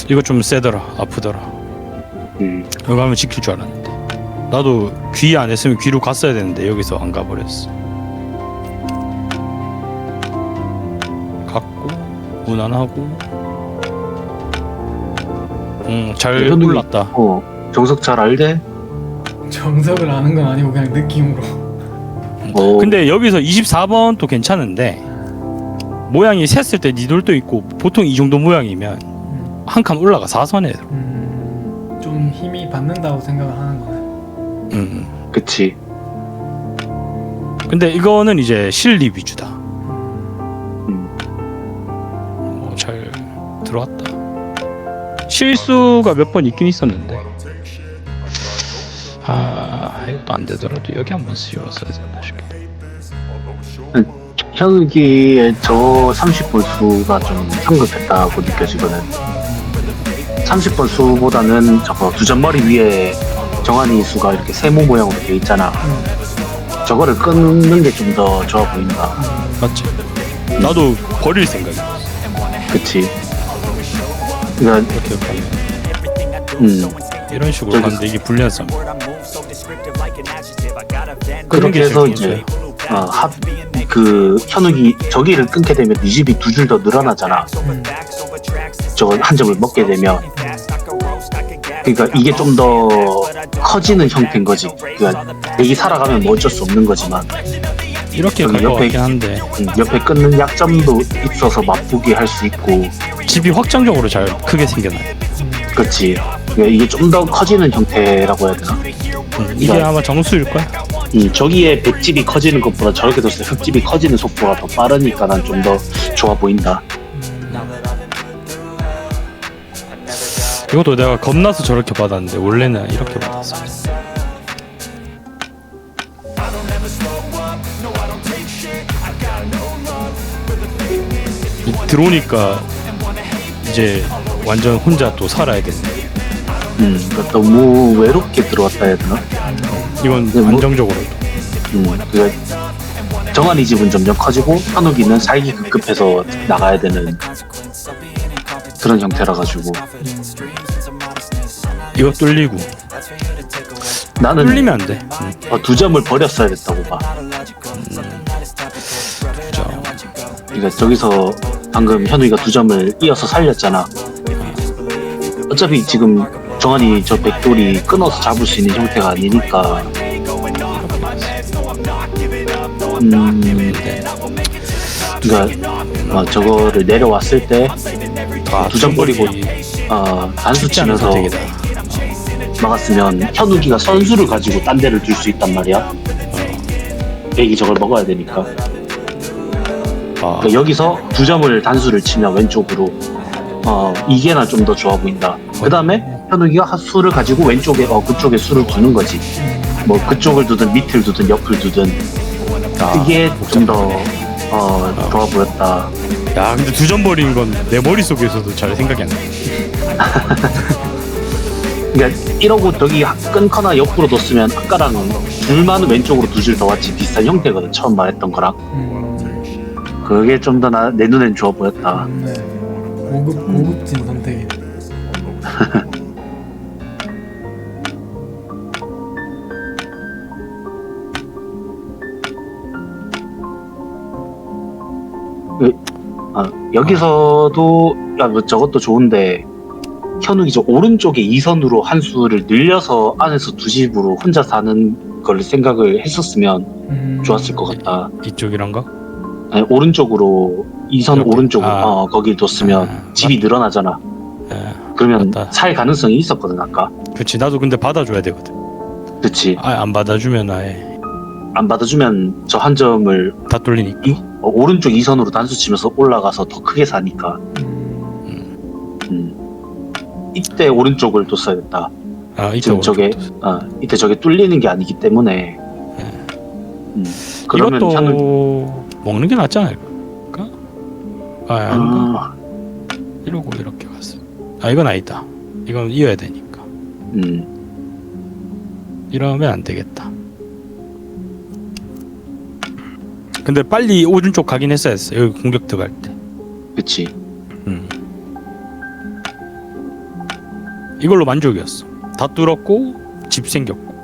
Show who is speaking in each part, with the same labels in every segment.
Speaker 1: 이거 좀 세더라. 아프더라. 여기 가면 지킬 줄 알았는데. 나도 귀 안 했으면 귀로 갔어야 되는데 여기서 안 가버렸어. 갔고 무난하고. 잘 골랐다.
Speaker 2: 정석 잘 알대?
Speaker 3: 정석을 아는 건 아니고 그냥 느낌으로.
Speaker 1: 근데 여기서 24번 또 괜찮은데 모양이 셌을 때 니돌도 있고 보통 이 정도 모양이면 한 칸 올라가 4선에.
Speaker 3: 좀 힘이 받는다고 생각을 하는 거네.
Speaker 2: 그치.
Speaker 1: 근데 이거는 이제 실리 위주다. 잘 들어왔다. 실수가 몇 번 있긴 있었는데 이것도 안 되더라도 여기 한번 씌웠어야 된다 싶게.
Speaker 2: 현욱이의 저 30번 수가 좀 성급했다고 느껴지거든. 30번 수보다는 저거 두점머리 위에 정한이 수가 이렇게 세모 모양으로 돼 있잖아. 저거를 끊는 게 좀 더 좋아 보인다.
Speaker 1: 맞지? 나도 버릴 생각이야.
Speaker 2: 그치. 그러니까
Speaker 1: 이렇게 가면 이런 식으로
Speaker 2: 저기-
Speaker 1: 가는데 이게 불리한 싸움.
Speaker 2: 그렇게 해서 이제 그 현욱이 저기를 끊게 되면 네 집이 두 줄 더 늘어나잖아. 저거 한 점을 먹게 되면. 그러니까 이게 좀 더 커지는 형태인 거지. 그러니까 얘기 살아가면 뭐 어쩔 수 없는 거지만
Speaker 1: 이렇게 갈 것 같긴 한데
Speaker 2: 옆에 끊는 약점도 있어서 맛보게 할 수 있고.
Speaker 1: 집이 확장적으로 잘 크게 생겨나요.
Speaker 2: 그렇지. 그러니까 이게 좀 더 커지는 형태라고 해야 되나?
Speaker 1: 이게 아마 정수일 거야.
Speaker 2: 저기에 백집이 커지는 것보다 저렇게 뒀을 때 흙집이 커지는 속도가 더 빠르니까 난 좀 더 좋아 보인다.
Speaker 1: 이것도 내가 겁나서 저렇게 받았는데 원래는 이렇게 받았어. 들어오니까 이제 완전 혼자 또 살아야겠네.
Speaker 2: 그러니까 너무 외롭게 들어왔다 해야 되나?
Speaker 1: 이건
Speaker 2: 뭐-
Speaker 1: 안정적으로.
Speaker 2: 그러니까 정한이 집은 점점 커지고 현욱이는 살기 급급해서 나가야 되는 그런 형태라 가지고
Speaker 1: 이거 뚫리고
Speaker 2: 나는
Speaker 1: 뚫리면 안 돼.
Speaker 2: 두 점을 버렸어야 됐다고 봐. 그러니까 저기서 방금 현욱이가 두 점을 이어서 살렸잖아. 어차피 지금 정한이 저 백돌이 끊어서 잡을 수 있는 형태가 아니니까. 그러니까 저거를 내려왔을 때 두 점 버리고 단수
Speaker 1: 쉽지 않은
Speaker 2: 치면서
Speaker 1: 선택이다.
Speaker 2: 막았으면 현욱이가 선수를 가지고 딴 데를 둘 수 있단 말이야. 백이 저걸 먹어야 되니까. 그러니까 여기서 두 점을 단수를 치면 왼쪽으로 이게 나 좀 더 좋아 보인다. 그 다음에 현욱이가 수를 가지고 왼쪽에 그쪽에 수를 두는 거지. 뭐 그쪽을 두든 밑을 두든 옆을 두든 이게 좀 더 좋아 보였다.
Speaker 1: 야 근데 두 점 버린 건 내 머릿속에서도 잘 생각이 안 나.
Speaker 2: 그러니까 이러고 저기 끊거나 옆으로 뒀으면 아까랑 둘만 왼쪽으로 두 줄 더 왔지. 비슷한 형태거든 처음 말했던 거랑. 그게 좀 더 내 눈엔 좋아 보였다.
Speaker 3: 네. 고급진 선택이네.
Speaker 2: 여기서도 뭐 저것도 좋은데 현욱이 저 오른쪽에 2선으로 한 수를 늘려서 안에서 두 집으로 혼자 사는 걸 생각을 했었으면 좋았을 것 같다.
Speaker 1: 이쪽이란가?
Speaker 2: 아니, 오른쪽으로 2선
Speaker 1: 이렇게?
Speaker 2: 오른쪽으로 거기 뒀으면 집이 늘어나잖아. 그러면
Speaker 1: 맞다.
Speaker 2: 살 가능성이 있었거든 아까.
Speaker 1: 그렇지. 나도 근데 받아줘야 되거든.
Speaker 2: 그치.
Speaker 1: 안 받아주면 아예
Speaker 2: 안 받아주면 저 한 점을
Speaker 1: 다 뚫리니까.
Speaker 2: 오른쪽 2선으로 단수 치면서 올라가서 더 크게 사니까. 이때 오른쪽을 뒀어야겠다.
Speaker 1: 이때
Speaker 2: 지금 저게 이때 저게 뚫리는 게 아니기 때문에. 그러면
Speaker 1: 이것도
Speaker 2: 현욱
Speaker 1: 먹는 게 낫지 않을까? 아닌가? 이러고 이렇게 갔어. 이건 아니다. 이건 이어야 되니까. 이러면 안 되겠다. 근데 빨리 오른쪽 가긴 했어야 했어. 여기 공격 들어갈 때.
Speaker 2: 그치.
Speaker 1: 이걸로 만족이었어. 다 뚫었고 집 생겼고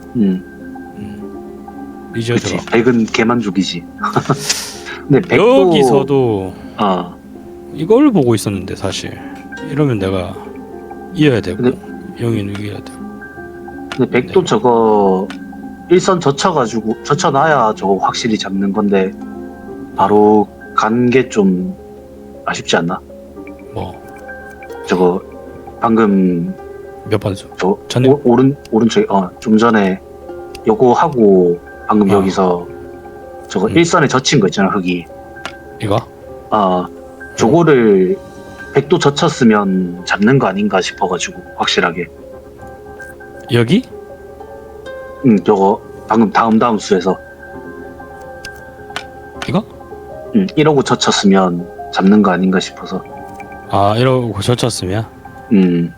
Speaker 1: 이제
Speaker 2: 그치.
Speaker 1: 들어.
Speaker 2: 100은 개만족이지. 근데 100도
Speaker 1: 여기서도
Speaker 2: 아
Speaker 1: 이걸 보고 있었는데 사실 이러면 내가 이어야 되고
Speaker 2: 근데-
Speaker 1: 영희는 이겨야 되고.
Speaker 2: 근데 100도 저거 일선 젖혀가지고 젖혀놔야 저거 확실히 잡는 건데 바로 간 게 좀 아쉽지 않나?
Speaker 1: 뭐
Speaker 2: 저거 방금
Speaker 1: 몇 번수?
Speaker 2: 저
Speaker 1: 전에
Speaker 2: 오른쪽에 좀 전에 요거 하고 방금
Speaker 1: 어.
Speaker 2: 여기서 저거 일선에 젖힌 거 있잖아 흙이.
Speaker 1: 이거?
Speaker 2: 저거를 100도 젖혔으면 잡는 거 아닌가 싶어가지고 확실하게.
Speaker 1: 여기?
Speaker 2: 저거 방금 다음 수에서
Speaker 1: 이거?
Speaker 2: 이러고 젖혔으면 잡는 거 아닌가 싶어서.
Speaker 1: 아 이러고 젖혔으면
Speaker 2: 음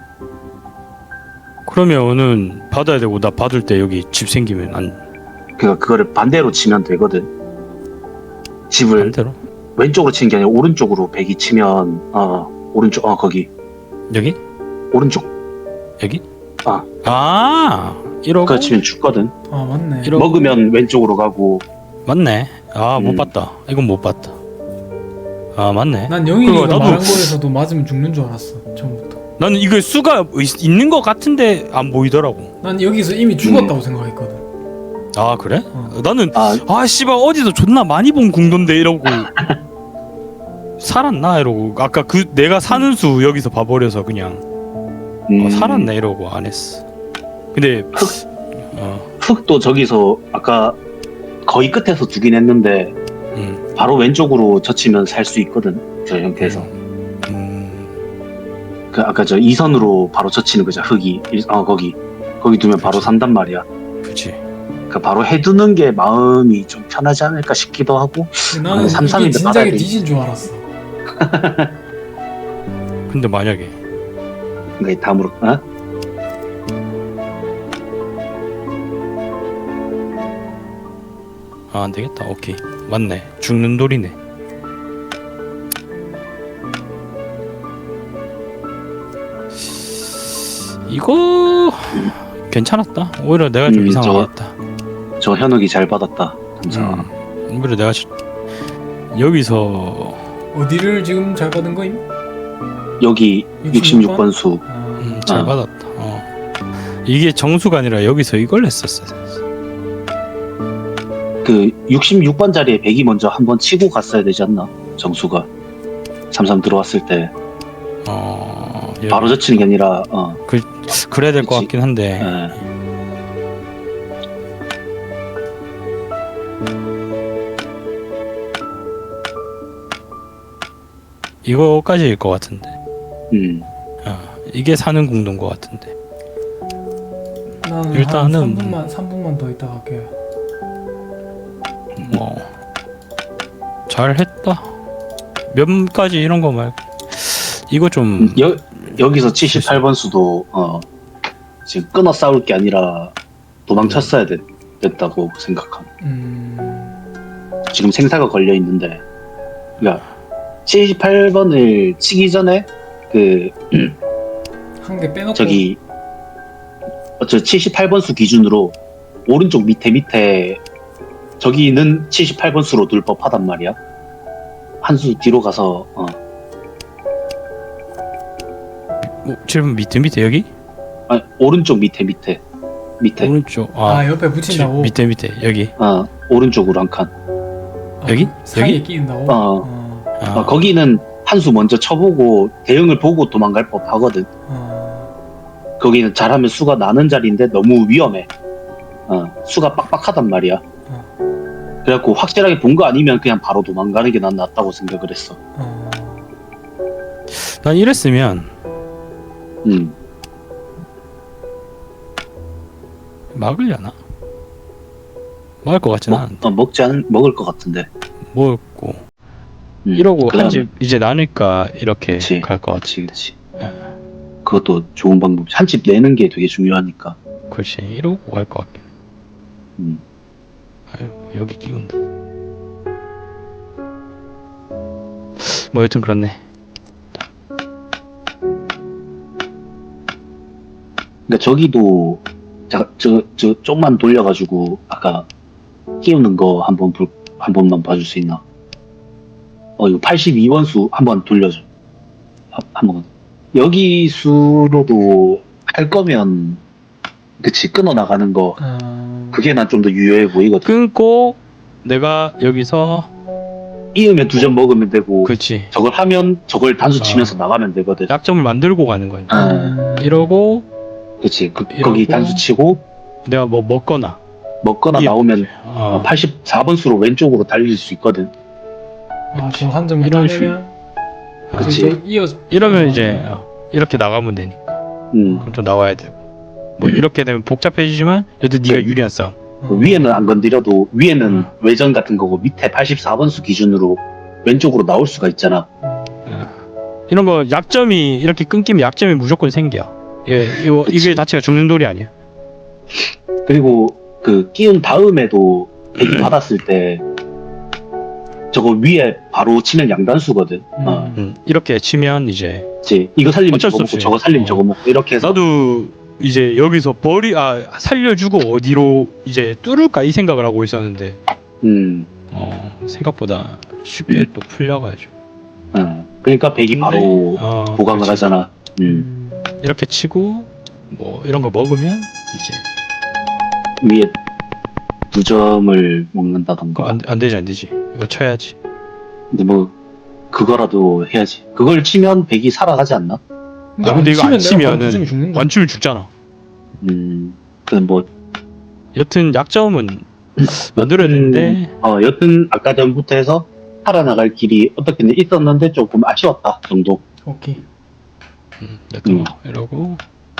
Speaker 1: 그러면은 받아야 되고 나 받을 때 여기 집 생기면 안
Speaker 2: 그러니까 그거를 반대로 치면 되거든. 집을
Speaker 1: 반대로?
Speaker 2: 왼쪽으로 치는 게 아니라 오른쪽으로 100이 치면 오른쪽 거기
Speaker 1: 여기?
Speaker 2: 오른쪽
Speaker 1: 여기?
Speaker 2: 아.
Speaker 1: 이러고
Speaker 2: 그거 치면 죽거든.
Speaker 3: 아 맞네.
Speaker 1: 이러-
Speaker 2: 먹으면 왼쪽으로 가고.
Speaker 1: 맞네. 못
Speaker 2: 음.
Speaker 1: 봤다. 이건 못 봤다. 맞네.
Speaker 3: 난 영희가
Speaker 1: 그거 나도-
Speaker 3: 말한 거에서도 맞으면 죽는 줄 알았어 처음부터.
Speaker 1: 나는 이거 수가 있는 것 같은데 안 보이더라고.
Speaker 3: 난 여기서 이미 죽었다고 생각했거든.
Speaker 1: 아 그래?
Speaker 3: 어.
Speaker 1: 나는
Speaker 2: 아
Speaker 1: 씨발 어디서 존나 많이 본 궁돈데 이러고 살았나 이러고 아까 그 내가 사는 수 여기서 봐버려서 그냥 살았네 이러고 안 했어. 근데
Speaker 2: 흙도 저기서 아까 거의 끝에서 두긴 했는데
Speaker 1: 음,
Speaker 2: 바로 왼쪽으로 젖히면 살 수 있거든. 저 형태에서. 그 아까 저 2선으로 바로 젖히는 거죠. 흙이 거기 두면 바로
Speaker 1: 그치.
Speaker 2: 산단 말이야.
Speaker 1: 그렇지.
Speaker 2: 그 바로 해두는 게 마음이 좀 편하지 않을까 싶기도 하고.
Speaker 3: 근데 나는 이게
Speaker 2: 삼삼인데 받아야
Speaker 3: 진작에
Speaker 2: 돼.
Speaker 3: 뒤진 줄 알았어.
Speaker 1: 근데 만약에
Speaker 2: 그러니까 다음으로
Speaker 1: 안 되겠다. 오케이 맞네. 죽는 돌이네. 이거 괜찮았다. 오히려 내가 좀 이상하겠다.
Speaker 2: 저 현욱이 잘 받았다. 감사.
Speaker 1: 오히려 내가 여기서
Speaker 3: 어디를 지금 잘 받은 거임?
Speaker 2: 여기
Speaker 3: 66번?
Speaker 2: 66번 수.
Speaker 1: 잘 받았다. 이게 정수가 아니라 여기서 이걸 했었어.
Speaker 2: 그 66번 자리에 100이 먼저 한번 치고 갔어야 되지 않나? 정수가 33 들어왔을 때 바로 젖히는 게 아니라
Speaker 1: 그래야 될 것
Speaker 2: 그치.
Speaker 1: 같긴 한데
Speaker 2: 예.
Speaker 1: 이거까지일 것 같은데 이게 사는 궁도인 것 같은데
Speaker 3: 나는
Speaker 1: 일단은
Speaker 3: 한 3분만 더 있다 갈게.
Speaker 1: 뭐 잘했다. 몇까지 이런 거 말고 이거 좀
Speaker 2: 여기서 78번 수도 지금 끊어 싸울 게 아니라 도망쳤어야 됐다고 생각함. 지금 생사가 걸려 있는데, 그러니까 78번을 치기 전에
Speaker 3: 한 개 빼놓고
Speaker 2: 저기 저 78번 수 기준으로 오른쪽 밑에 저기는 78번 수로 둘 법하단 말이야. 한 수 뒤로 가서
Speaker 1: 지금 밑에 여기
Speaker 2: 아니, 오른쪽 밑에
Speaker 1: 오른쪽
Speaker 3: 옆에 붙인다고.
Speaker 1: 밑에 여기
Speaker 2: 오른쪽으로 한 칸.
Speaker 1: 여기?
Speaker 3: 그 사이에
Speaker 1: 여기?
Speaker 3: 끼인다고.
Speaker 2: 거기는 한 수 먼저 쳐보고 대응을 보고 도망갈 법 하거든. 거기는 잘하면 수가 나는 자리인데 너무 위험해. 수가 빡빡하단 말이야. 그래갖고 확실하게 본 거 아니면 그냥 바로 도망가는 게 난 낫다고 생각을 했어.
Speaker 1: 난 이랬으면 막으려나? 막을 것 같진 않은데
Speaker 2: 먹을 것 같은데.
Speaker 1: 먹고 이러고
Speaker 2: 그다음-
Speaker 1: 한 집 이제 나니까 이렇게
Speaker 2: 그치.
Speaker 1: 갈 것 같지.
Speaker 2: 그치. 그것도 좋은 방법. 한 집 내는 게 되게 중요하니까.
Speaker 1: 그렇지. 이러고 갈 것 같긴.
Speaker 2: 음.
Speaker 1: 아유 여기 끼운다. 뭐 여튼 그렇네.
Speaker 2: 그러니까 저기도 저 좀만 돌려가지고 아까 끼우는 거 한 번만 봐줄 수 있나? 이거 82원수 한번 돌려줘. 한번 여기 수로도 할 거면 그치 끊어 나가는 거 그게 난 좀 더 유효해 보이거든.
Speaker 1: 끊고 내가 여기서
Speaker 2: 이으면 2점 먹으면 되고
Speaker 1: 그치
Speaker 2: 저걸 하면 저걸 단수 치면서 나가면 되거든.
Speaker 1: 약점을 만들고 가는 거야. 이러고
Speaker 2: 그치
Speaker 1: 이러고
Speaker 2: 거기 단수 치고
Speaker 1: 내가 뭐 먹거나
Speaker 2: 나오면
Speaker 1: 어.
Speaker 2: 84번 수로 왼쪽으로 달릴 수 있거든.
Speaker 3: 지금 한 점
Speaker 1: 이런
Speaker 3: 따내면
Speaker 2: 그치.
Speaker 1: 이러면 이제 이렇게 나가면 되니까 그럼 또 나와야 되고 뭐 이렇게 되면 복잡해지지만 그래도 네가 유리한 싸움.
Speaker 2: 위에는 안 건드려도 위에는 외전 같은 거고 밑에 84번 수 기준으로 왼쪽으로 나올 수가 있잖아.
Speaker 1: 이런 거 약점이 이렇게 끊기면 약점이 무조건 생겨. 이게 자체가 죽는 돌이 아니야.
Speaker 2: 그리고 그 끼운 다음에도 백이 받았을 때 저거 위에 바로 치면 양단수거든.
Speaker 1: 이렇게 치면 이제
Speaker 2: 그치. 이거 살리면
Speaker 1: 어쩔
Speaker 2: 저거
Speaker 1: 수
Speaker 2: 먹고
Speaker 1: 없이.
Speaker 2: 저거 살리면 저거 먹고 이렇게 해서
Speaker 1: 나도 이제 여기서 살려주고 어디로 이제 뚫을까 이 생각을 하고 있었는데 생각보다 쉽게 또 풀려가지고
Speaker 2: 그러니까 백이 바로 보강을
Speaker 1: 그렇지.
Speaker 2: 하잖아.
Speaker 1: 이렇게 치고 뭐 이런 거 먹으면 이제
Speaker 2: 위에 2점을 먹는다던가.
Speaker 1: 안 되지 이거 쳐야지.
Speaker 2: 근데 뭐 그거라도 해야지. 그걸 치면 백이 살아가지 않나?
Speaker 1: 근데 이거 안 치면은
Speaker 3: 완충이 죽는다.
Speaker 1: 완충이 죽잖아.
Speaker 2: 그건 뭐
Speaker 1: 여튼 약점은 만들어야 되는데
Speaker 2: 여튼 아까 전부터 해서 살아나갈 길이 어떻게든 있었는데 조금 아쉬웠다 정도.
Speaker 3: 오케이.
Speaker 1: 여튼 이러고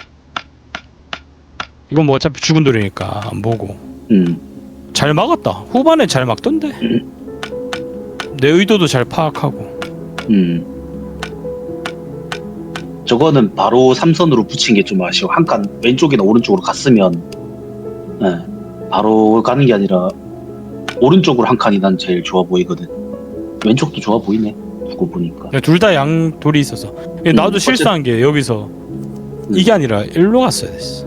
Speaker 1: 이건 뭐 어차피 죽은 돌이니까 안 보고 잘 막았다. 후반에 잘 막던데 내 의도도 잘 파악하고
Speaker 2: 저거는 바로 삼선으로 붙인 게 좀 아쉬워. 한 칸 왼쪽이나 오른쪽으로 갔으면 바로 가는 게 아니라 오른쪽으로 한 칸이 난 제일 좋아 보이거든. 왼쪽도 좋아 보이네 두고 보니까.
Speaker 1: 둘 다 양 돌이 있어서 나도 실수한 게 여기서 이게 아니라 일로 갔어야 됐어.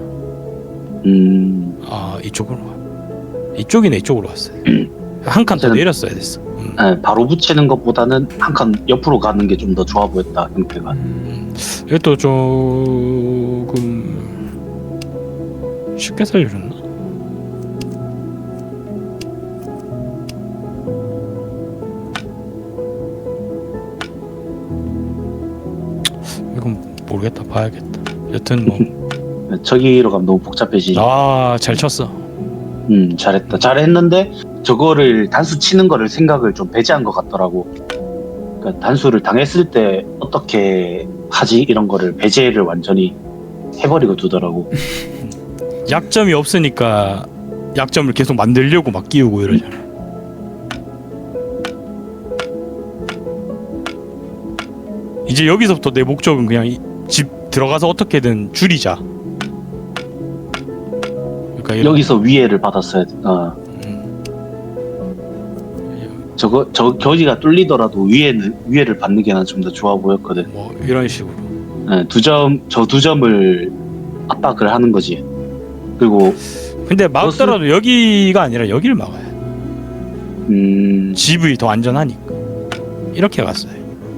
Speaker 1: 이쪽으로 이쪽이네. 이쪽으로 갔어요. 한 칸 더 내렸어야 됐어.
Speaker 2: 바로 붙이는 것보다는 한 칸 옆으로 가는 게 좀 더 좋아 보였다 형태가.
Speaker 1: 이것도 조금 쉽게 살려줬나? 이건 모르겠다. 봐야겠다. 여튼 뭐
Speaker 2: 저기로 가면 너무 복잡해지지.
Speaker 1: 잘 쳤어.
Speaker 2: 잘했다. 잘했는데 저거를 단수 치는 거를 생각을 좀 배제한 것 같더라고. 그러니까 단수를 당했을 때 어떻게 하지 이런 거를 배제를 완전히 해버리고 두더라고.
Speaker 1: 약점이 없으니까 약점을 계속 만들려고 막 끼우고 이러잖아. 이제 여기서부터 내 목적은 그냥 집 들어가서 어떻게든 줄이자. 그러니까
Speaker 2: 여기서 위에를 받았어야 돼. 저 겨지가 뚫리더라도 위에를 받는 게 난 좀 더 좋아 보였거든.
Speaker 1: 뭐 이런 식으로.
Speaker 2: 저 2점을 압박을 하는 거지. 그리고
Speaker 1: 근데 막더라도 여기가 아니라 여기를 막아야 돼. 집이 더 안전하니까. 이렇게 갔어요.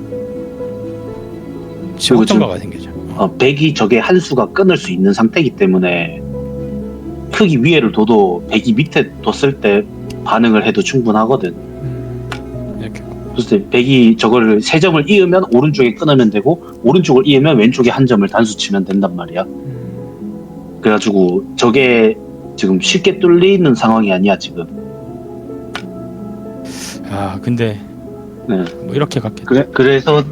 Speaker 1: 집 확정가가 생기죠.
Speaker 2: 백이 저게 한 수가 끊을 수 있는 상태이기 때문에 크기 위에를 둬도 백이 밑에 뒀을 때 반응을 해도 충분하거든.
Speaker 1: 이렇게.
Speaker 2: 그래서 백이 저걸 3점을 이으면 오른쪽에 끊으면 되고 오른쪽을 이으면 왼쪽에 한 점을 단수 치면 된단 말이야. 그래가지고 저게 지금 쉽게 뚫리는 상황이 아니야 지금.
Speaker 1: 근데 뭐 이렇게 갔겠다.
Speaker 2: 그래서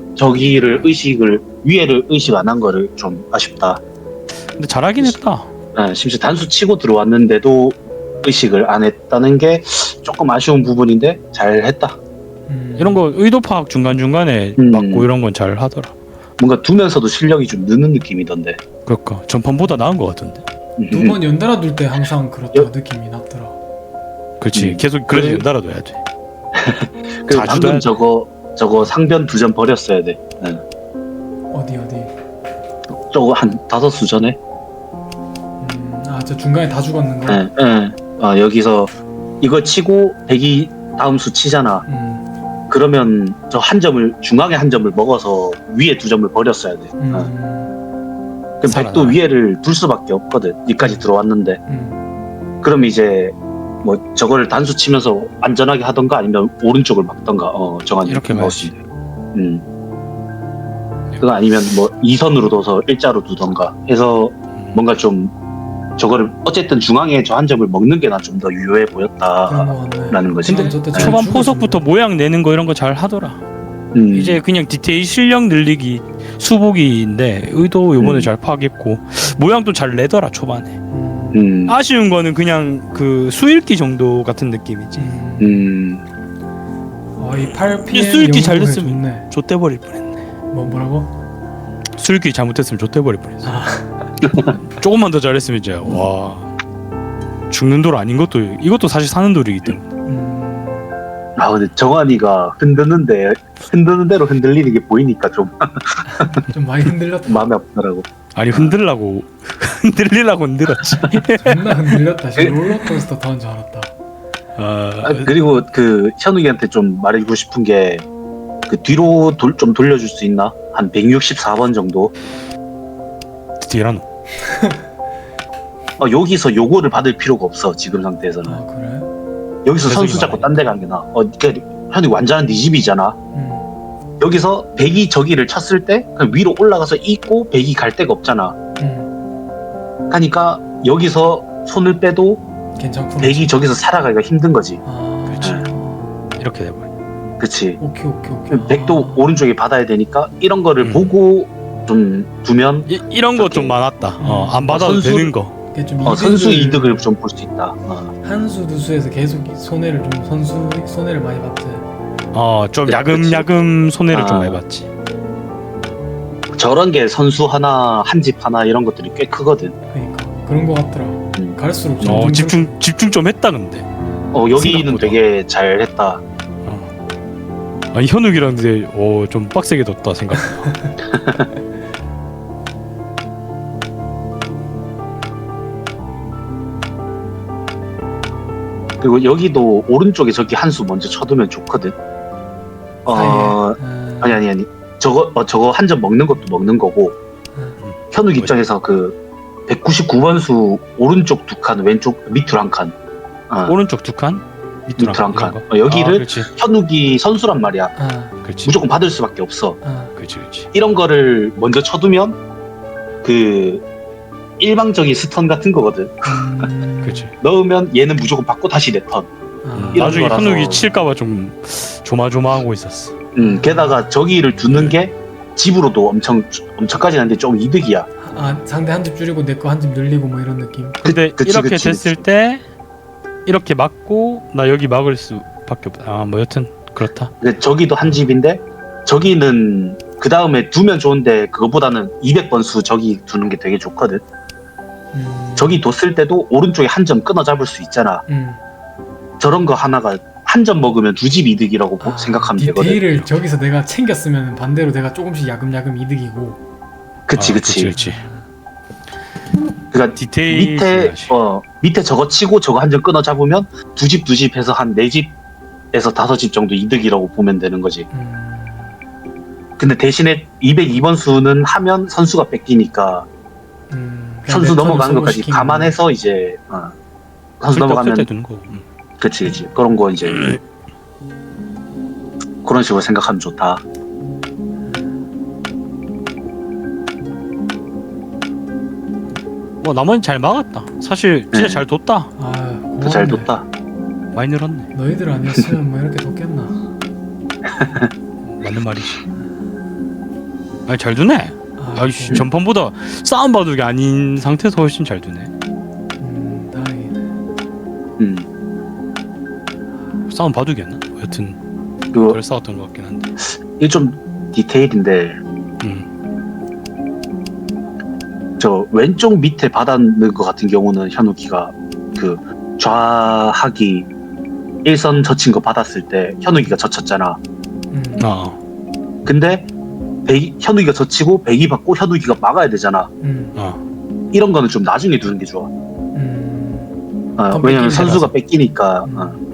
Speaker 2: 위에를 의식 안 한 거를 좀 아쉽다.
Speaker 1: 근데 잘하긴 했다.
Speaker 2: 심지어 단수 치고 들어왔는데도 의식을 안 했다는 게 조금 아쉬운 부분인데 잘 했다.
Speaker 1: 이런 거 의도 파악 중간중간에 맞고 이런 건 잘 하더라.
Speaker 2: 뭔가 두면서도 실력이 좀 느는 느낌이던데.
Speaker 1: 그러니까 전판보다 나은 것 같은데.
Speaker 3: 2번 연달아 둘 때 항상 그렇다 느낌이 났더라.
Speaker 1: 그렇지. 계속 그래서
Speaker 2: 그래.
Speaker 1: 연달아 둬야 돼.
Speaker 2: 그리고 방금 저거 상변 2점 버렸어야 돼.
Speaker 3: 어디
Speaker 2: 저거 한 5수 전에
Speaker 3: 저 중간에 다 죽었는 거.
Speaker 2: 예, 예. 여기서 이거 치고 백이 다음 수 치잖아. 그러면 저 한 점을 중앙에 한 점을 먹어서 위에 두 점을 버렸어야 돼. 그럼 백도 위에를 둘 수밖에 없거든. 여기까지 들어왔는데. 그럼 이제 뭐 저거를 단수 치면서 안전하게 하던가 아니면 오른쪽을 막던가 정한
Speaker 1: 이렇게
Speaker 2: 넣었지. 그거 아니면 뭐 2선으로 둬서 일자로 두던가 해서 뭔가 좀 저거를 어쨌든 중앙에 저 한 점을 먹는 게 난 좀 더 유효해
Speaker 3: 그런
Speaker 2: 보였다라는
Speaker 3: 거 같네.
Speaker 2: 거지.
Speaker 3: 근데 저때 잘
Speaker 1: 초반
Speaker 3: 죽었었는데.
Speaker 1: 포석부터 모양 내는 거 이런 거 잘 하더라.
Speaker 2: 음.
Speaker 1: 이제 그냥 디테일 실력 늘리기 수복이인데 의도 요번에 잘 파악했고 모양도 잘 내더라 초반에. 아쉬운 거는 그냥 그 수읽기 정도 같은 느낌이지.
Speaker 3: 이 8PM
Speaker 1: 이 수읽기 잘
Speaker 3: 연구해
Speaker 1: 됐으면
Speaker 3: 좋네.
Speaker 1: 좆대버릴 뻔했네.
Speaker 3: 뭐라고?
Speaker 1: 수읽기 잘못했으면 좆대버릴 뻔했어. 조금만 더 잘했으면 이제 와 죽는 돌 아닌 것도 이것도 사실 사는 돌이기 때문에.
Speaker 2: 근데 정한이가 흔드는 대로 흔들리는 게 보이니까 좀
Speaker 3: 좀 많이 흔들렸다.
Speaker 2: 마음에 아프더라고.
Speaker 1: 아니 흔들라고 흔들리려고 흔들었지.
Speaker 3: 존나 흔들렸다. 지금 롤러코스터 타는 줄 알았다.
Speaker 2: 그리고 그 현욱이한테 좀 말해주고 싶은 게 그 뒤로 좀 돌려줄 수 있나? 한 164번 정도.
Speaker 1: 디라노.
Speaker 2: 여기서 요거를 받을 필요가 없어 지금 상태에서는.
Speaker 3: 그래?
Speaker 2: 여기서 선수 잡고 딴 데 가는 게 나아. 현욱이 완전한 네 집이잖아. 여기서 백이 저기를 쳤을 때 그냥 위로 올라가서 있고 백이 갈 데가 없잖아. 하니까 여기서 손을 빼도
Speaker 3: 괜찮구나.
Speaker 2: 백이 저기서 살아가기가 힘든 거지.
Speaker 1: 그렇지. 이렇게 돼버려.
Speaker 2: 그치.
Speaker 3: 오케이.
Speaker 2: 백도 오른쪽에 받아야 되니까 이런 거를 보고 좀 두면
Speaker 1: 이런 거 좀 많았다. 안 받아도
Speaker 2: 선수-
Speaker 1: 되는 거.
Speaker 3: 이게 좀
Speaker 2: 선수 이득을 좀 볼 수 있다.
Speaker 3: 한수 두수에서 계속 손해를 좀 선수 손해를 많이 봤지.
Speaker 1: 좀 야금야금 손해를 좀
Speaker 2: 아.
Speaker 1: 많이 봤지.
Speaker 2: 저런 게 선수 하나 한 집 하나 이런 것들이 꽤 크거든.
Speaker 3: 그러니까 그런 거 같더라. 갈수록 좀
Speaker 1: 집중 좀 했다 근데.
Speaker 2: 여기는
Speaker 1: 생각보다.
Speaker 2: 되게 잘했다.
Speaker 1: 아니 현욱이랑 근데 좀 빡세게 뒀다 생각보다.
Speaker 2: 그리고 여기도 오른쪽에 저기 한 수 먼저 쳐두면 좋거든. 아니. 저거 한 점 먹는 것도 먹는 거고. 현욱 입장에서 그 199번 수 오른쪽 두 칸, 왼쪽 밑으로 한 칸.
Speaker 1: 오른쪽 두 칸, 밑으로
Speaker 2: 한 칸.
Speaker 1: 이런 거?
Speaker 2: 여기를
Speaker 1: 그렇지.
Speaker 2: 현욱이 선수란 말이야.
Speaker 1: 그렇지.
Speaker 2: 무조건 받을 수밖에 없어.
Speaker 1: 그렇지.
Speaker 2: 이런 거를 먼저 쳐두면 그 일방적인 스턴 같은 거거든.
Speaker 1: 그렇지.
Speaker 2: 넣으면 얘는 무조건 받고 다시 내 턴. 이런
Speaker 1: 나중에
Speaker 2: 거라서.
Speaker 1: 현욱이 칠까봐 좀 조마조마하고 있었어.
Speaker 2: 게다가 저기를 두는 게 집으로도 엄청까지 하는데 좀 이득이야.
Speaker 3: 상대 한 집 줄이고 내 거 한 집 늘리고 뭐 이런 느낌.
Speaker 1: 근데
Speaker 2: 그치,
Speaker 1: 이렇게
Speaker 2: 그치,
Speaker 1: 됐을 때 이렇게 막고 나 여기 막을 수밖에 없다. 뭐 여튼 그렇다.
Speaker 2: 근데 저기도 한 집인데 저기는 그 다음에 두면 좋은데 그거보다는 200번 수 저기 두는 게 되게 좋거든. 저기 뒀을 때도 오른쪽에 한 점 끊어 잡을 수 있잖아. 저런 거 하나가 한 점 먹으면 두 집 이득이라고 생각하면 되거든.
Speaker 3: 디테일을 저기서 내가 챙겼으면 반대로 내가 조금씩 야금야금 이득이고.
Speaker 2: 그치. 그러니까
Speaker 1: 디테일
Speaker 2: 밑에 저거 치고 저거 한 점 끊어 잡으면 두 집 해서 한 4집에서 5집 정도 이득이라고 보면 되는 거지. 근데 대신에 202번 수는 하면 선수가 뺏기니까 선수 넘어가는 것까지 감안해서 이제 선수 넘어가면
Speaker 1: 되는 거.
Speaker 2: 그치 그런 거 이제 그런 식으로 생각하면 좋다.
Speaker 1: 뭐 나머지는 잘 막았다. 사실 진짜
Speaker 2: 네.
Speaker 1: 잘 뒀다.
Speaker 2: 더 잘 뒀다.
Speaker 1: 많이 늘었네.
Speaker 3: 너희들 아니었으면 뭐 이렇게 뒀겠나.
Speaker 1: 맞는 말이지. 아니 잘 두네. 아이씨 전판보다 싸움 바둑이 아닌 상태에서 훨씬 잘 두네.
Speaker 3: 다행이네.
Speaker 1: 싸움 바둑이었나? 여튼
Speaker 2: 그
Speaker 1: 덜 싸웠던 것 같긴 한데.
Speaker 2: 이게 좀 디테일인데 저 왼쪽 밑에 받았는 것 같은 경우는 현욱이가 그 좌하기 1선 젖힌 거 받았을 때 현욱이가 젖혔잖아. 근데 현욱이가 젖히고 백이 받고 현욱이가 막아야 되잖아. 이런 거는 좀 나중에 두는 게 좋아. 왜냐면 선수가 뺏기니까.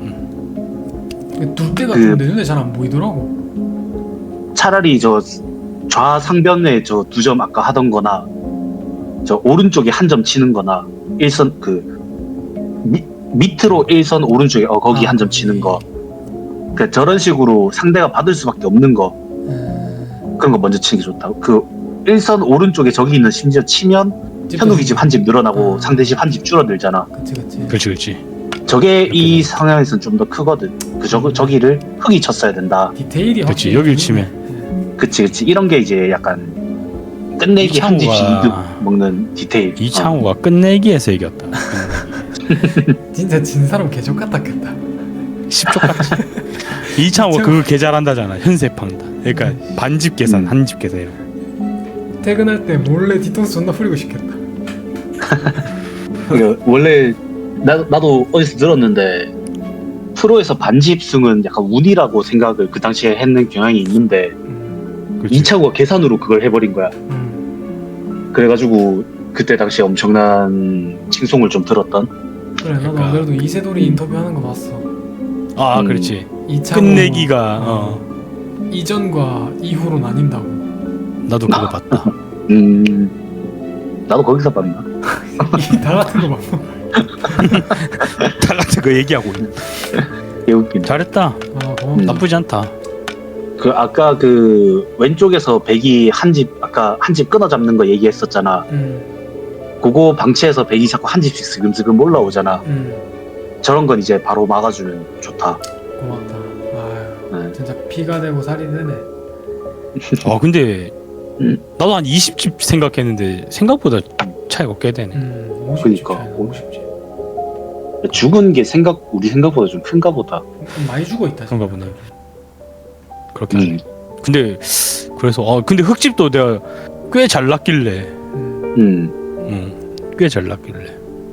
Speaker 3: 둘대가
Speaker 2: 그-
Speaker 3: 좀 내 눈에 잘 안 보이더라고.
Speaker 2: 차라리 저 좌상변에 저 2점 아까 하던 거나 저 오른쪽에 한 점 치는 거나 일선 밑으로 1선 오른쪽에 거기 한 점 치는 거. 그러니까 저런 식으로 상대가 받을 수밖에 없는 거. 그런 거 먼저 치는 게 좋다. 그 1선 오른쪽에 저기 있는 심지어 치면 현욱이 집 한 집 늘어나고 상대 집 한 집 줄어들잖아.
Speaker 3: 그치.
Speaker 2: 저게 이 상황에서는 좀 더 크거든. 저기를 흙이 쳤어야 된다.
Speaker 3: 디테일이
Speaker 1: 그치,
Speaker 3: 확실히
Speaker 1: 여길
Speaker 3: 있네.
Speaker 1: 치면.
Speaker 2: 그치. 이런 게 이제 약간 끝내기 한 집씩
Speaker 1: 이창호가-
Speaker 2: 이득 먹는 디테일.
Speaker 1: 이창호가 끝내기에서 이겼다.
Speaker 3: 진짜 진 사람 개족 같았겠다.
Speaker 1: 10조 같지. 이창호가 그거 개 잘한다잖아. 현세팡다. 그러니까 반집 계산, 한집 계산 이런 거.
Speaker 3: 퇴근할 때 몰래 뒤통수 존나 뿌리고 싶겠다.
Speaker 2: 원래 나도 어디서 들었는데 프로에서 반집승은 약간 운이라고 생각을 그 당시에 했는 경향이 있는데
Speaker 1: 그치.
Speaker 2: 이창호가 계산으로 그걸 해버린 거야. 그래가지고 그때 당시에 엄청난 칭송을 좀 들었던.
Speaker 3: 그래 나도
Speaker 1: 그러니까.
Speaker 3: 안 그래도 이세돌이 인터뷰하는 거 봤어.
Speaker 1: 아, 그렇지.
Speaker 3: 이창호
Speaker 1: 끝내기가
Speaker 3: 이전과 이후로 나뉜다고.
Speaker 1: 나도 그거 봤다.
Speaker 2: 나도 거기서 봤나?
Speaker 3: 다 같은 거 봤어.
Speaker 1: 다 같이 그 얘기하고 있네.
Speaker 2: 개웃긴.
Speaker 1: 잘했다.
Speaker 3: 아 고맙다.
Speaker 1: 나쁘지 않다.
Speaker 2: 그 아까 그 왼쪽에서 백이 한 집 끊어 잡는 거 얘기했었잖아. 그거 방치해서 백이 자꾸 한 집씩 슬금슬금 올라오잖아. 저런 건 이제 바로 막아주면 좋다.
Speaker 3: 고맙다. 아유
Speaker 2: 네.
Speaker 3: 진짜 피가 되고 살이 되네.
Speaker 1: 아, 근데
Speaker 2: 음.
Speaker 1: 나도 한 20집 생각했는데 생각보다 차이가 꽤 되네.
Speaker 3: 50집
Speaker 2: 그니까.
Speaker 3: 차이나 50집.
Speaker 2: 죽은 게 우리 생각보다 좀 큰가 보다.
Speaker 3: 많이 죽어 있다.
Speaker 1: 그런가 보네. 그렇게 하네. 근데 그래서 근데 흙집도 내가 꽤 잘 났길래 꽤 잘 났길래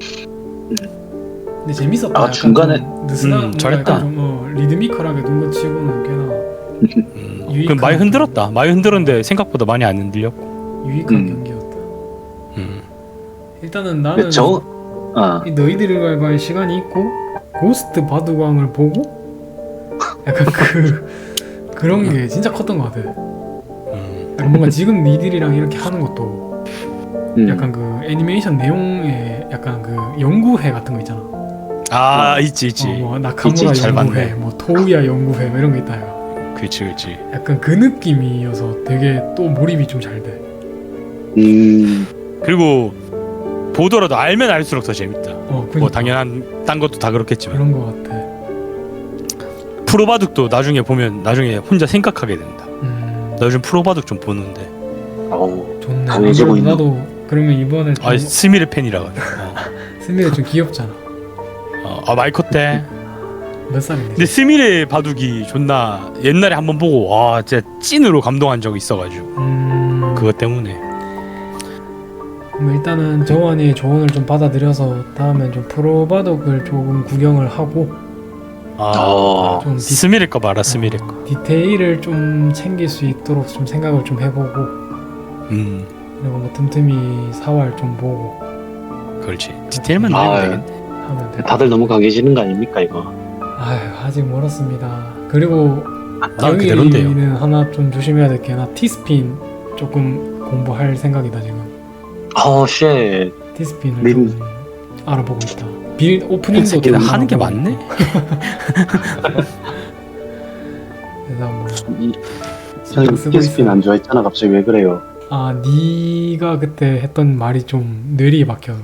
Speaker 3: 근데 재밌었다.
Speaker 2: 아,
Speaker 3: 약간
Speaker 2: 중간에-
Speaker 3: 좀 느슨한
Speaker 1: 잘했다.
Speaker 3: 약간 좀, 리드미컬하게 눈거 치고는 꽤나 유익한
Speaker 1: 많이 흔들었다. 많이 흔들었는데 생각보다 많이 안 흔들렸고.
Speaker 3: 유익한 경기였다. 일단은 나는 이 너희들과의 시간이 있고 고스트 바둑왕을 보고 약간 그런 게 진짜 컸던 것 같아. 약간 뭔가 지금 니들이랑 이렇게 하는 것도 약간 그 애니메이션 내용에 약간 그 연구회 같은 거 있잖아.
Speaker 1: 아, 있지.
Speaker 3: 뭐 나카무라
Speaker 1: 있지, 잘
Speaker 3: 연구회,
Speaker 1: 봤네.
Speaker 3: 뭐 토우야 연구회 뭐 이런 거 있다. 요
Speaker 1: 그렇지.
Speaker 3: 약간 그 느낌이어서 되게 또 몰입이 좀 잘 돼.
Speaker 1: 그리고 보더라도 알면 알수록 더 재밌다.
Speaker 3: 그러니까
Speaker 1: 뭐 당연한 딴 것도 다 그렇겠지만
Speaker 3: 그런 거 같아.
Speaker 1: 프로바둑도 나중에 보면 나중에 혼자 생각하게 된다. 나 요즘 프로바둑 좀 보는데
Speaker 3: 좋네.
Speaker 2: 강해지고 있는.
Speaker 3: 나도 그러면 이번에 좀
Speaker 1: 스미르 팬이라 가지고.
Speaker 3: 스미레 좀 귀엽잖아.
Speaker 1: 마이코 때.
Speaker 3: 몇 살인데?
Speaker 1: 근데 스미르 바둑이 존나 옛날에 한번 보고 와 진짜 찐으로 감동한 적이 있어가지고 그것 때문에.
Speaker 3: 그럼 일단은 정환이의 조언을 좀 받아들여서 다음엔 좀 프로바둑을 조금 구경을 하고 좀
Speaker 1: 스미르 거 봐라. 스미르 거.
Speaker 3: 디테일을 좀 챙길 수 있도록 좀 생각을 좀 해보고 그리고 뭐 틈틈이 사활 좀 보고
Speaker 1: 그렇지. 디테일만 내면 되겠네.
Speaker 3: 하면 돼.
Speaker 2: 다들 너무 강해지는 거 아닙니까 이거?
Speaker 3: 아유 아직 멀었습니다. 그리고
Speaker 1: 난 그대로인데요.
Speaker 3: 영희는 하나 좀 조심해야 될 게 나 티스핀 조금 공부할 생각이다 지금.
Speaker 2: 쉣.
Speaker 3: 티스핀을
Speaker 2: 린-
Speaker 3: 좀 알아보고 있다. 빌 오프닝도
Speaker 1: 새끼는
Speaker 3: 좀
Speaker 1: 하는 게
Speaker 3: 알아보고.
Speaker 1: 맞네.
Speaker 3: 그래서 뭐
Speaker 2: 저는
Speaker 3: 쓰고
Speaker 2: 티스핀
Speaker 3: 있어요.
Speaker 2: 안 좋아했잖아. 갑자기 왜 그래요?
Speaker 3: 네가 그때 했던 말이 좀 뇌리에 박혀서.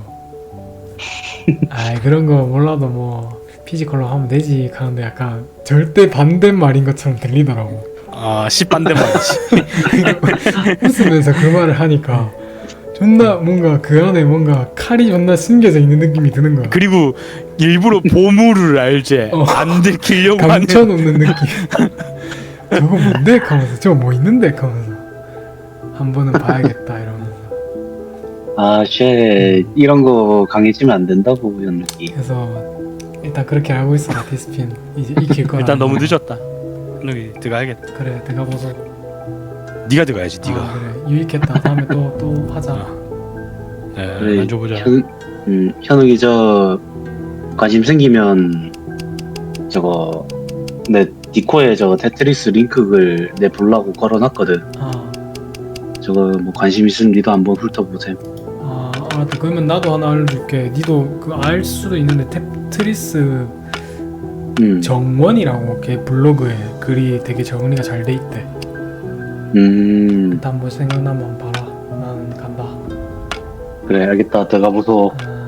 Speaker 3: 그런 거 몰라도 뭐 피지컬로 하면 되지 하는데 약간 절대 반대말인 것처럼 들리더라고.
Speaker 1: 10반대 말이지.
Speaker 3: 웃으면서 그 말을 하니까 존나 뭔가 그 안에 뭔가 칼이 존나 숨겨져 있는 느낌이 드는 거야.
Speaker 1: 그리고 일부러 보물을 알제 안 들키려고 하는.
Speaker 3: 감춰놓는 느낌. 저거 뭔데? 하면서 저거 뭐 있는데? 하면서 한 번은 봐야겠다 이러면서.
Speaker 2: 쉣. 이런 거 강해지면 안 된다고 연기.
Speaker 3: 그래서 일단 그렇게 알고 있어. 디스핀 이제 익힐 거라.
Speaker 1: 일단 너무 늦었다. 여기 들어가야겠다.
Speaker 3: 그래 들어가보소.
Speaker 1: 네가 들어가야지. 네가.
Speaker 3: 그래 유익했다. 다음에 또 하자.
Speaker 1: 네,
Speaker 2: 그래,
Speaker 1: 만져보자.
Speaker 2: 현욱이 저 관심 생기면 저거 내 디코에 저거 테트리스 링크를 내 보려고 걸어놨거든. 저거 뭐 관심 있으면 니도 한번 훑어보셈.
Speaker 3: 알았다. 그러면 나도 하나 알려줄게. 니도 그 알 수도 있는데 테트리스 정원이라고 걔 블로그에 글이 되게 정리가 잘 돼 있대. 일단 뭐 생각나면 봐라. 나는 간다.
Speaker 2: 그래 알겠다. 들어가 보소.